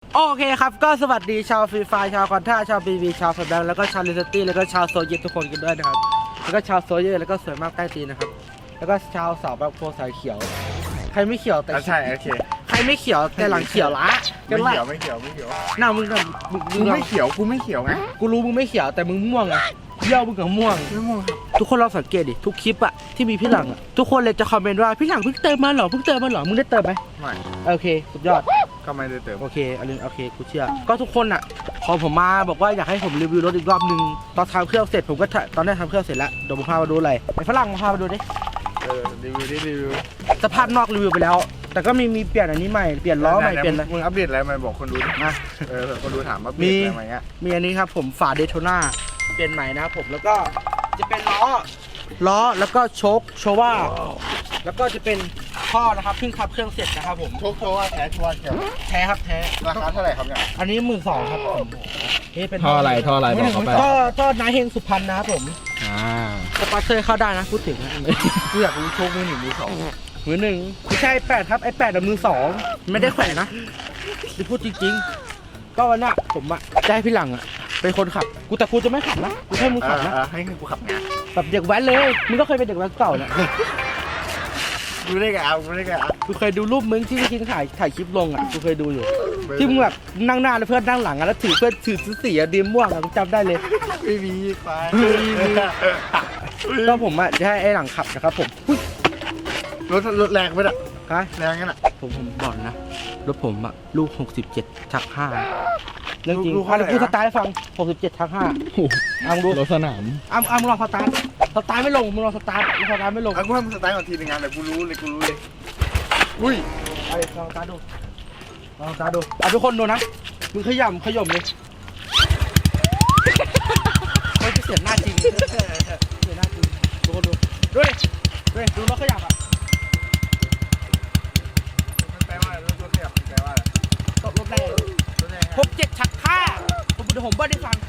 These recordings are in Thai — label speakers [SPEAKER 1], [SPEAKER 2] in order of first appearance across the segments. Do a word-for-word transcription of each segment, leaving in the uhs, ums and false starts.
[SPEAKER 1] โอเคครับก็สวัสดีชาวฟรีไฟชาวคอนท่าชาวบีบีชาวฟันแบงแล้วก็ชาวลิสตี้แล้วก็ชาวโซเยตทุกคนกันด้วยนะครับแล้วก็ชาวโซเยตแล้วก็สวยมากใต้ตีนนะครับแล้วก็ชาวสาวแบบโพสายเขียวใครไม่เขียวแต่
[SPEAKER 2] ใช่โอเค
[SPEAKER 1] ใครไม่เขียวแต่หลังเขียวละ
[SPEAKER 2] ไม่เขียวไม่เขียวไม่เขียว
[SPEAKER 1] หน้ามึงกับมึง
[SPEAKER 2] กูไม่เขียวกูไม่เขียวไง
[SPEAKER 1] กูรู้มึงไม่เขียวแต่มึงม่วงอะเยี่ยวมึงกับม่วง
[SPEAKER 2] ไม่ม่วงครับ
[SPEAKER 1] ทุกคนเราสังเกตดิทุกคลิปอะที่มีพี่หลังอะทุกคนเลยจะคอมเมนต์ว่าพี่หลังเพิ่งเติมมาหรอเพิ่งเติมมาหรอมึงได้เติมไหม
[SPEAKER 2] ไม่
[SPEAKER 1] โอเคสุดยอด
[SPEAKER 2] ก็ไม่ได้เติม
[SPEAKER 1] โอเคอลินโอเคกูเชื่อก็ทุกคนอะขอผมมาบอกว่าอยากให้ผมรีวิวรถอีกรอบนึงตอนทำเครื่องเสร็จผมก็ตอนนี้ทำเครื่องเสร็จแล้วเดี๋ยวผมพามาดูอะไรไอ้ฝรั่งมาพามาดูดิ
[SPEAKER 2] เออรีวิวดิรีวิว
[SPEAKER 1] สภาพนอกรีวิวไปแล้วแต่ก็มีมีเปลี่ยนอันนี้ใหม่เปลี่ยนล้อใหม่เปลี่ยนอะไร
[SPEAKER 2] มึงอัปเดตอะไรมาบอกคนดูดินะเออคนดูถามว่าเปลี่ยนอะไรมาเงี้ย
[SPEAKER 1] มีอันนี้ครับผมฝาเดโทน่าเปลี่ยนใหม่นะครับผมแล้วก็จะเป็นล้อล้อแล้วก็โชคโชว่าแล้วก็จะเป็นท่อนะครับเพิ่งขับเครื่องเสร็จนะครับผม
[SPEAKER 2] โชคโชว่าแท้ชัวร์แท้
[SPEAKER 1] แท้ครับแท้
[SPEAKER 2] ราคาเท่าไหร่ครับเนี่ย
[SPEAKER 1] อันนี้หมื่นสองครับผม
[SPEAKER 3] นี่เป็นท่ออะไรท่ออะไรบอกเขาไป
[SPEAKER 1] ท่อท่อนายเฮงสุพรรณนะครับผม
[SPEAKER 3] อ่า
[SPEAKER 1] สปอนเซอร์เข้าได้นะพูดถึงนะ
[SPEAKER 2] กูอยากรู้โชคมือหนึ่งมือสอง
[SPEAKER 1] มือหนึ่งไม่ใช่แปดครับไอแปดมือสองไม่ได้แขวนนะที่พูดจริงๆก็วันน่ะผมอะจะให้พี่หลังอะเป็นคนขับกูแต่กูจะไม่ขับนะกูให้มึงขับนะ
[SPEAKER 2] ให้กูขับงาน
[SPEAKER 1] แบบเด็กแว้นเลยมึงก็เคยเป็นเด็กแว้นเก่าเนี่ย
[SPEAKER 2] ดูได้ไงเอาดูได้ไงอ่ะ
[SPEAKER 1] กูเคยดูรูปมึงที่พี่กินถ่ายถ่ายคลิปลงอ่ะกูเคยดูอยู่ที่มึงแบบนั่งหน้าแล้วเพื่อนนั่งหลังอ่ะแล้วถือเพื่อนถือสีอะดีมม่วงอ่ะกูจำได้เลย
[SPEAKER 2] ไม่มีไป
[SPEAKER 1] ก็ผมอ่ะจะให้ไอ้หลังขับนะครับผม
[SPEAKER 2] รถรถแรงไปอ่ะ
[SPEAKER 1] ฮะ
[SPEAKER 2] แรงงั้นอ่ะ
[SPEAKER 1] ผมผมบอกนะรถผมอ่ะลูกหกสิบเจ็ดชักห้าเรื่องจริงอ่ะกูสตาร์ทให้ฟังหกสิบเจ็ดชักห้าเอาดู
[SPEAKER 3] รถสนาม
[SPEAKER 1] อ้ามอ้ามลองสตาร์ทสตาร์ทไม่ลงมึงลองสตาร์ทสตาร์ทไม่ลง
[SPEAKER 2] อ่ะกูให้มึงสตาร์ทก่อนทีนึงงานแต่กูรู้เลยกูรู้เลยอุ้ย
[SPEAKER 1] เอาเลยลองสตาร์ทดูลองสตาร์ทดูอ่ะทุกคนดูนะมึงขย่ำขย่มเลยไม่เสียหน้าจริงเสียหน้าจริงทุกคนดูดูดิดูดิดูรถขยับอ่ะ
[SPEAKER 2] มันแปลว่าอะไรรถขยับแปลว่าอะไร
[SPEAKER 1] ตกรถแรงหกเจ็ดชักห้าผมเดี๋ยวผมเบิ้ลให้ฟัง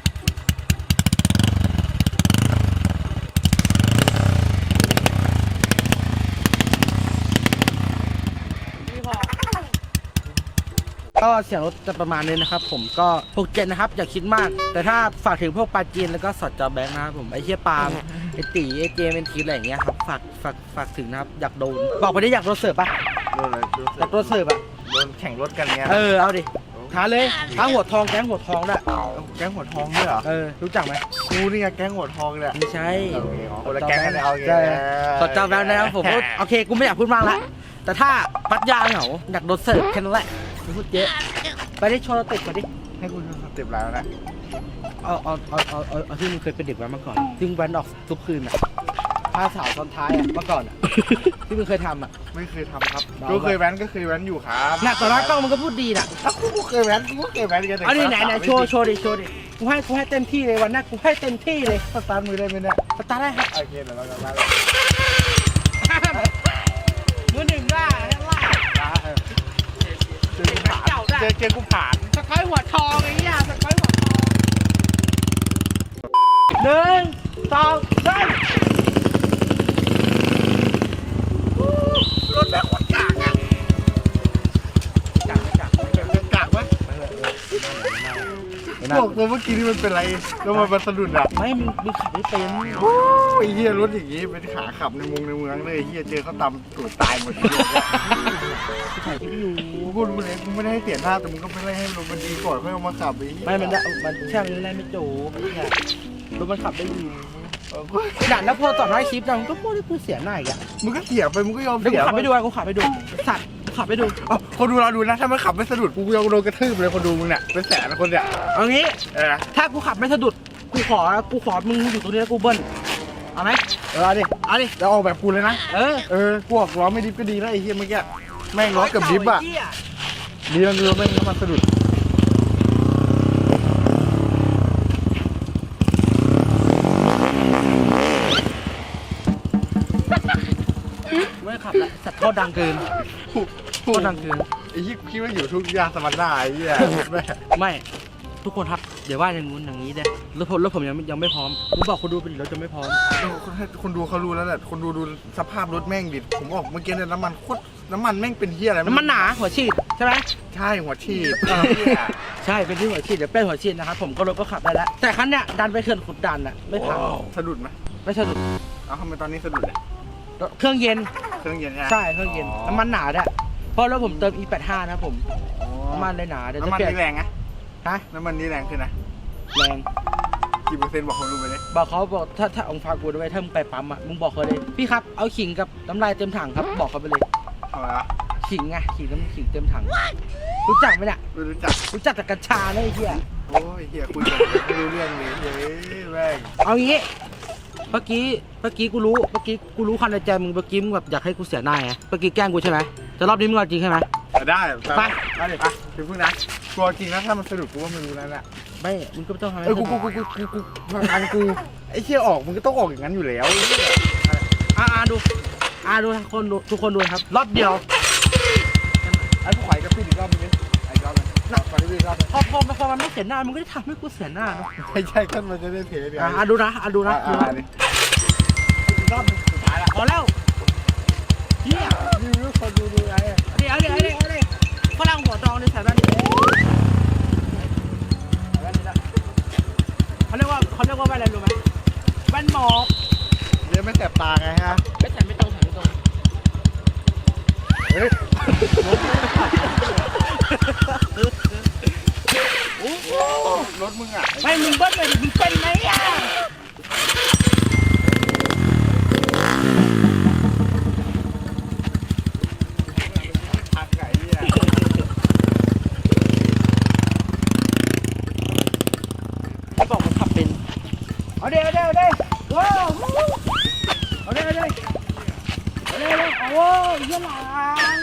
[SPEAKER 1] ก็เสียงรถจะประมาณนี้นะครับผมก็หกเจ็ดนะครับอย่าคิดมากแต่ถ้าฝากถึงพวกปาจีนแล้วก็สอดจอแบงค์นะครับผมไอ้เชี่ยปาล์มไอ้ตีไอ้เจมเป็นทีอะไรอย่างเงี้ยครับฝากฝากฝากถึงนะครับอยากโดนบอกไปได้อยากโดนเสิร์ฟปะ
[SPEAKER 2] โดนอะไร
[SPEAKER 1] อยากโดนเสิร์ฟอะ
[SPEAKER 2] โดนแข่งรถกันเงี้ย
[SPEAKER 1] เออเอาดิท้าเลยท้าหัวทองแก๊งหัวทองด้วย
[SPEAKER 2] แก๊งหัวทองด้วยเหรอ
[SPEAKER 1] เออรู้จักไหม
[SPEAKER 2] กูนี่ไงแก๊งหัวทองเลย
[SPEAKER 1] ไม่ใช่
[SPEAKER 2] คนละแก๊งกันเอาไง
[SPEAKER 1] สอดจอแบงค์นะครับผมโอเคกูไม่อยากพูดมากละแต่ถ้าพัดยาเหงาอยากโดนเสิร์ฟแค่นั้นแหละพูดเยอะไปได้โชว์ติดมาดิ
[SPEAKER 2] ให้คุณสเต็ปแล้วนะ
[SPEAKER 1] เอาเอาเอาเอาเอาเอาที่มึงเคยเป็นเด็กแว้นมาก่อนซึ่งแว้นออกทุกคืนอ่ะพาสาวตอนท้ายอ่ะเมื่อก่อนอ่ะที่มึงเคยทำอ่ะ
[SPEAKER 2] ไม่เคยทำครับก็เคยแว้นก็เคยแว้นอยู่ครับ
[SPEAKER 1] น่ะตอนนั้นกล้องมันก็พูดดีน่ะ
[SPEAKER 2] กูเคยแว้นกูเคยแว้นกัน
[SPEAKER 1] เอาดิไหนไหนโชว์โชว์ดิโชว์ดิกูให้กูให้เต็มที่เลยวันนั้นกูให้เต็มที่เลย
[SPEAKER 2] สตาร์ทมือได้ไหมเนี่ย
[SPEAKER 1] สตาร์ทได้ครับ
[SPEAKER 2] โอเคเดี๋ยวเราจะมา
[SPEAKER 1] มือหนึ่งได้ล่า
[SPEAKER 2] เจอเจอกูผ่าน
[SPEAKER 1] สกอยหัวทองไอ้เหี้ยสกอยหัวทองหนึ่งสองสาม
[SPEAKER 2] รถแม่คนกากอ่ะ
[SPEAKER 1] กากกาก
[SPEAKER 2] กากไหมบอกตัวเมื่อกี้นี่มันเป็นไรแล้วมันสะดุดอ่ะ
[SPEAKER 1] ไม่มึงมึงขับไม่เป็น
[SPEAKER 2] โอ้ยเฮียรถอย่างงี้เป็นขาขับในเมืองในเมืองเลยเฮียเจอเขาตำตัวตายหมดเลย
[SPEAKER 1] ถ่ายคลิปอยู่
[SPEAKER 2] กูรู้เลยกูไม่ได้ให้เปลี่ยนหน้าแต่มึงก็ไม่ได้ให้รถมันดีก่อนเพื่อเอามาขับไป
[SPEAKER 1] ไม่มันได้มันแค่มันได้ไม่โจ้เนี่ยรถมันขับได้อยู่หนักแล้วพอต่อท้ายคลิปเราก็พูดให้กูเสียหน้าอีกอ่ะ
[SPEAKER 2] มึงก็เสียไปมึงก็ยอมเสีย
[SPEAKER 1] กูขับไปดูกูขับไปดูสัตว์ขับไปดู
[SPEAKER 2] อ๋อคนดูเราดูนะถ้ามันขับไม่สะดุดกูยอมโดนกระทืบเลยคนดูมึงเนี่ยเป็นแสนคนเนี่ย
[SPEAKER 1] เอางี้
[SPEAKER 2] เออ
[SPEAKER 1] ถ้ากูขับไม่สะดุดกูขอกูขอมึงอยู่ตรงนี้แล้วกูเบิ้ลเอาไหม
[SPEAKER 2] เออเอาดิ
[SPEAKER 1] เอาดิ
[SPEAKER 2] แล้วออกแบบกูเลยนะ
[SPEAKER 1] เออ
[SPEAKER 2] เออกูออกล้อไม่ดิฟก็ดีแล้วไอ้เหี้ยเมื่อกี้แม่งล้อกับดิฟอ่ะดีแล้วดูแม่งมันสะดุด
[SPEAKER 1] ไม่ขับแล้วสัตว์ท่อดังเกินท่อดังเกิน
[SPEAKER 2] ไอ้ที่คิดว่าอยู่ทุกยาสมรรถะไอ้เหี้ย
[SPEAKER 1] ไม่ทุกคนครับเดี๋ยวว่าอย่างงู้นอย่างนี้เด้รถผมรถผมยังยังไม่พร้อมผมบอกคนดูเป็นรถจะไม่พร้อม
[SPEAKER 2] คนดูเขารู้แล้วแหละคนดูดูสภาพรถแม่งดิผมออกเมื่อกี้เนี่ยน้ำมันโคตรน้ำมันแม่งเป็นเฮียอะไร
[SPEAKER 1] น้ำมันหนาหัวฉีดใช่ไหม
[SPEAKER 2] ใช่หัวฉีด
[SPEAKER 1] ใช่เป็นที่หัวฉีดเดี๋ยวเป็นหัวฉีดนะครับผมก็รถก็ขับได้แล้วแต่คันเนี้ยดันไปเขื่อนขุดดันอ่ะไม่พัง
[SPEAKER 2] สะดุดไหม
[SPEAKER 1] ไม่ใช่
[SPEAKER 2] เอาทำไมตอนนี้สะดุดเลย
[SPEAKER 1] เครื่องเย็น
[SPEAKER 2] เครื่องเย็นใช่ไหม
[SPEAKER 1] ใช่เครื่องเย็นน้ำมันหนาด้วยเพราะรถผมเติม อี แปดสิบห้า นะครับผมน้ำมันเลยหนาเดี๋ยวจะ
[SPEAKER 2] น้ำมัน
[SPEAKER 1] เปลี่ยน
[SPEAKER 2] นี่แรงนะ
[SPEAKER 1] ฮะ
[SPEAKER 2] น้ำมันนี่แรงขึ้นนะ
[SPEAKER 1] แรง
[SPEAKER 2] กี่เปอร์เซ็นต์บอกคนรู้ไปเลย
[SPEAKER 1] บอกเขาบอกถ้าถ้าองค์ฟากูด้วยถ้ามึงไปปั๊มอ่ะมึงบอกเขาเลยพี่ครับเอาขิงกับน้ำลายเต็มถังครับบอกเขาไปเลย
[SPEAKER 2] ทำไมวะ
[SPEAKER 1] ขิงไงขิงน้ำขิงเต็มถังรู้จักไหมเนี่ย
[SPEAKER 2] ไม่รู้จัก
[SPEAKER 1] รู้จักแต่กัญชาเลยไอ้เหี้ย
[SPEAKER 2] โอ้ยเฮียคุยกันไม่รู้เรื่องเลยเฮ้ยแม่ง
[SPEAKER 1] เอางี้เมื่อกี้เมื่อกี้กูรู้เมื่อกี้กูรู้ความในใจมึงเมื่อกี้มึงแบบอยากให้กูเสียหน้าไงเมื่อกี้แกล้งกูใช่ไหมแต่รอบนี้มึงเอาจริงใช่ไหม
[SPEAKER 2] ได้
[SPEAKER 1] ไป
[SPEAKER 2] ไปเลยไปถึงพึ่งนะกลัวจริงนะถ้ามันสะดุดกูว่ามันรู้แล้วแหละ
[SPEAKER 1] ไม่มึงก็ไม่ต้องทำให้
[SPEAKER 2] เออกูกูกูกูกูกูทางานกูไอ้เชี่ยออกมึงก็ต้องออกอย่างนั้นอยู่แล้ว
[SPEAKER 1] อ่าอ่าดูอ่าดูทุกคนดูทุกคนดูครับรอบเดียว
[SPEAKER 2] ไอ้ผู้ขายกับพี่อีกรอบนึงไอ้รอบนึงรอบนี้รอบนึง
[SPEAKER 1] พอพอพอมันไม่เสียหน้ามันก็จะทำให้กูเสียหน้าเนอะ
[SPEAKER 2] ใช่ใช่ขั้นมันจะได้เทเดียว
[SPEAKER 1] อ่าอ่าดูนะอ่าดูนะดูนะ
[SPEAKER 2] อีกรอบนึงสุดท้ายละ
[SPEAKER 1] พอแล้วเฮีย
[SPEAKER 2] รีวิวคนดูดูไง
[SPEAKER 1] เดี๋ยวเดี๋ยวเดี๋ยวเดี๋ยวฝรั่งหัวดองในสายแว่นดิเขาเรียกว่าเขาเรียกว่าแว่นอะไรรู้ไหมแว่นหมอก
[SPEAKER 2] เรียนไม่แสบตาไงฮะ
[SPEAKER 1] ไม่แต่ไม่ตรงแต่ไม่ตรง
[SPEAKER 2] เฮ้ย
[SPEAKER 1] โอ้โห
[SPEAKER 2] รถมึงอ่ะ
[SPEAKER 1] ไม่มึงเบิ้ลเลยดิมึงเป็นไหมอ่ะ
[SPEAKER 2] ทักไก่เนี่ย
[SPEAKER 1] เขาบอกมันขับเป็นเอาเดี๋ยวเอาเดี๋ยวเอาเดี๋ยวว้าวเอาเดี๋ยวเอาเดี๋ยวเอาเดี๋ยวเอาเดี๋ยวโอ้ยเยี่ยหลัง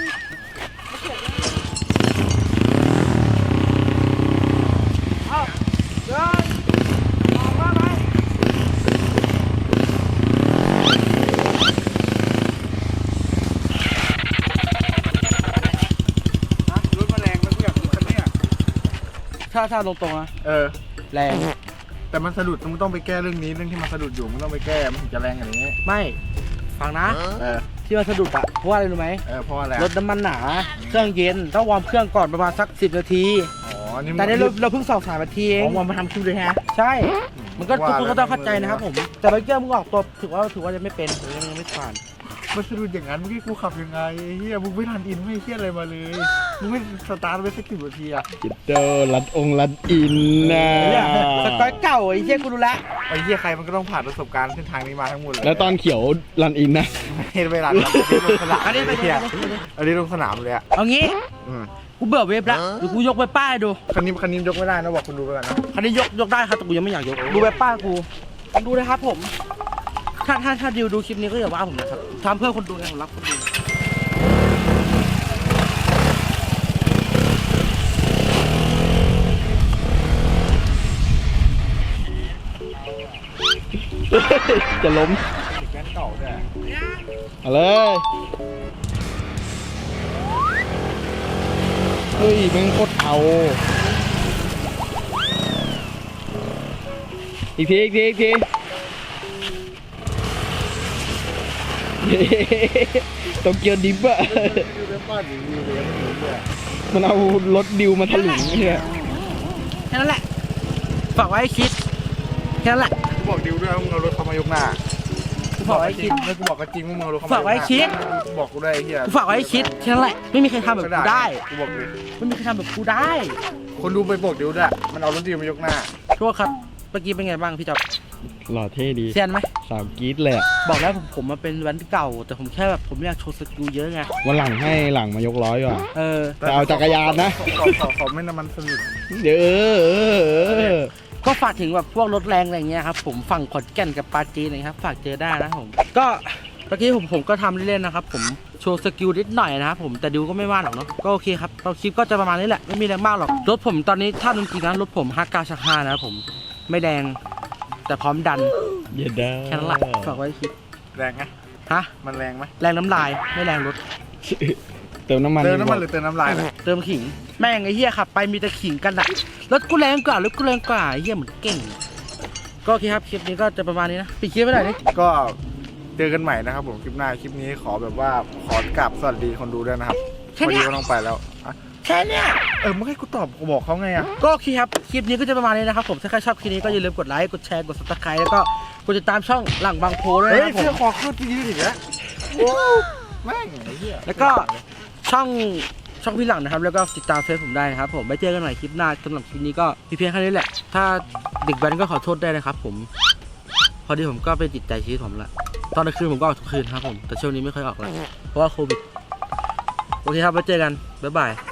[SPEAKER 1] เอาเดินออกมาไหม
[SPEAKER 2] รถมาแรงแล้วกูอยากดูคันเนี้ย
[SPEAKER 1] ถ้าถ้าตรงๆนะ
[SPEAKER 2] เออ
[SPEAKER 1] แรง
[SPEAKER 2] แต่มันสะดุดมึงต้องไปแก้เรื่องนี้เรื่องที่มันสะดุดอยู่มึงต้องไปแก้มันถึงจะแรงอย่างนี้
[SPEAKER 1] ไม่ฟังนะ
[SPEAKER 2] เออ
[SPEAKER 1] ที่มันสะดุดอะเพราะว่าอะไรรู้ไหม
[SPEAKER 2] เออเพราะอะไร
[SPEAKER 1] รถน้ำมันหนาเครื่องเย็นต้องวอร์มเครื่องก่อนประมาณสักสิบนาที
[SPEAKER 2] อ๋อนี่
[SPEAKER 1] แต่ในเราเราเพิ่งสองสามนาทีเอง
[SPEAKER 2] ของมันมาทำคิวเลยฮะ
[SPEAKER 1] ใช่ มันก็ทุกคนก็ต้องเข้าใจนะครับผม แต่เมื่อกี้มึงออกตัวถือว่าถือว่ายังไม่เป็นยังยังไม่ผ่าน
[SPEAKER 2] มันสะดุดอย่างนั้นเมื่อกี้กูขับยังไงเฮียมึงไม่ทันอินไม่เฮียอะไรมาเลย มึงไม่สตาร์ทไปสักกี่นาทีอะ
[SPEAKER 3] จิตเตอร์รัดองค์รัดอินนะ
[SPEAKER 1] เนี่ยสกอยเก่าไอ้เหี้ยกูรู้แล้ว
[SPEAKER 2] ไอ้เฮียใครมันก็ต้องผ่านประสบการณ์เส้นทางนี้มาทั้งหมดเลย
[SPEAKER 3] แล้วตอนเขียวรันอินนะ
[SPEAKER 2] ไม่เวลาเราไปลงสนาม
[SPEAKER 1] อันนี้ไป
[SPEAKER 2] เฮีย
[SPEAKER 1] อันนี้
[SPEAKER 2] อันนี้ลงสนามเลยอะ
[SPEAKER 1] เอางี้
[SPEAKER 2] อืม
[SPEAKER 1] กูเบื่อเว็บแล้วเดี๋ยวกูยกไปป้ายดู
[SPEAKER 2] คันนี้คันนี้ยกไม่ได้นะบอกคุณดูไปก่อนนะ
[SPEAKER 1] คันนี้ยกยกได้ครับแต่กูยังไม่อยากยกดูเว็บป้ายกูดูนะครับผม ถ้าถ้าถ้าดิวดูคลิปนี้ก็อย่าว่าผมนะครับทำเพื่อคนดูไงผมรักคนดู
[SPEAKER 3] จะล้ม
[SPEAKER 2] แก๊สเก่าด้วย
[SPEAKER 3] เอาเลยเฮ้ยแม่งโคตรเอาอีกทีอีกทีอีกทีโตเกียวดิฟอะ
[SPEAKER 2] ดูเว็บป้าหรือวิวเลยไม่รู้เลย
[SPEAKER 3] มันเอารถดิวมาถลุงเนี่ย
[SPEAKER 1] แค่นั้นแหละฝากไว้ให้คิดแค่นั้นแหละ
[SPEAKER 2] กูบอกดิวด้วยว่ามึงเอารถเขามายกหน้า
[SPEAKER 1] กูฝากไว้ให้คิด
[SPEAKER 2] แล้วกูบอกก็จริงว่ามึงเอารถเขามา
[SPEAKER 1] ฝากไว้คิด
[SPEAKER 2] กูบอกกูได้ไอ้เฮีย
[SPEAKER 1] กูฝากไว้ให้คิดแค่นั้นแหละไม่มีใครทำแบบกูได้
[SPEAKER 2] กูบอกเลย
[SPEAKER 1] ไม่มีใครทำแบบกูได้
[SPEAKER 2] คนดูไปบอกดิวด้วยมันเอารถดิวมายกหน้า
[SPEAKER 1] โทษครับเมื่อกี้เป็นไงบ้างพี่จ๊อบ
[SPEAKER 3] หล่อเท่ดี
[SPEAKER 1] เซียนไหม
[SPEAKER 3] สาวกรี๊ดเลยอะ
[SPEAKER 1] บอกแล้วผมผมมาเป็นแว้นเก่า แต่ผมแค่แบบผมอยากโชว์สกิลเยอะไง
[SPEAKER 3] วันหลังให้หลังมายกร้อยดีกว่า
[SPEAKER 1] เออ
[SPEAKER 3] แต่เอาจักรยานนะ
[SPEAKER 2] ขอขอขอไม่น้ำมันสนิท
[SPEAKER 3] เดี๋ยวเออเออเออ
[SPEAKER 1] ก็ฝากถึงแบบพวกรถแรงอะไรเงี้ยครับผมฝั่งขอนแก่นกับปาจีนอะไรครับฝากเจอได้นะผมก็เมื่อกี้ผมผมก็ทำเล่นๆนะครับผมโชว์สกิลนิดหน่อยนะครับผมแต่ดิวก็ไม่ว่าหรอกเนาะก็โอเคครับเราคลิปก็จะประมาณนี้แหละไม่มีแรงมากหรอกรถผมตอนนี้ถ้าจริงๆนะรถผมฮักกาชักห้านะครับผมไม่แรงแต่พร้อมดัน
[SPEAKER 3] เย็ดได้
[SPEAKER 1] แค่นั้นแหละฝากไว้คิด
[SPEAKER 2] แรงไง
[SPEAKER 1] ฮะ
[SPEAKER 2] มันแรงไหม
[SPEAKER 1] แรงน้ำลายไม่แรงรถ
[SPEAKER 3] เติมน้ำมัน
[SPEAKER 2] เติมน้ำมันหรือเติมน้ำลายนะ
[SPEAKER 1] เติมขิงแม่งไอ้เหี้ยขับไปมีแต่ขิงกันอะรถกูแรงกว่ารถกูแรงกว่าไอ้เหี้ยเหมือนเก่งก็โอเคครับคลิปนี้ก็จะประมาณนี้นะปิดคลิปไปหน่อยดิ
[SPEAKER 2] ก็เจอกันใหม่นะครับผมคลิปหน้าคลิปนี้ขอแบบว่าขอกราบสวัสดีคนดูด้วยนะครับ
[SPEAKER 1] แค่
[SPEAKER 2] พอ
[SPEAKER 1] เนี้
[SPEAKER 2] ดี
[SPEAKER 1] ย
[SPEAKER 2] ก็ต้องไปแล้วอ่ะ
[SPEAKER 1] แค่เนี้ย
[SPEAKER 2] เออมึงให้กูตอบกูบอกเขาไงอ่ะ
[SPEAKER 1] ก็โอเคครับ คลิปนี้ก็จะประมาณนี้นะครับผม ถ้าใครชอบคลิปนี้ก็อย่าลืมกดไลค์ กดแชร์ กด ซับสไครบ์ แล้วก็กดติดตามช่องหลังบางโพด้วย
[SPEAKER 2] เฮ้ย
[SPEAKER 1] นะครับผ
[SPEAKER 2] เสื้อ
[SPEAKER 1] ม
[SPEAKER 2] คอขึ้นยืดอีกแล้วโอ้แม่งไอ้เหี้ย
[SPEAKER 1] แล้วก็ช่องช่องพี่หลังนะครับ แล้วก็ติดตามเฟซผมได้นะครับผมไว้เจอกันใหม่คลิปหน้าสำหรับคลิปนี้ก็มีเพียงแค่นี้แหละ ถ้าเด็กแว้นก็ขอโทษได้นะครับผม พอดีผมก็ไปติดใจชีวิตผมละตอนกลางคืนผมก็ออกทุกคืนครับผม แต่ช่วงนี้ไม่ค่อยออกแล้วเพราะว่าโควิด โอเคครับไว้เจอกัน บ๊ายบาย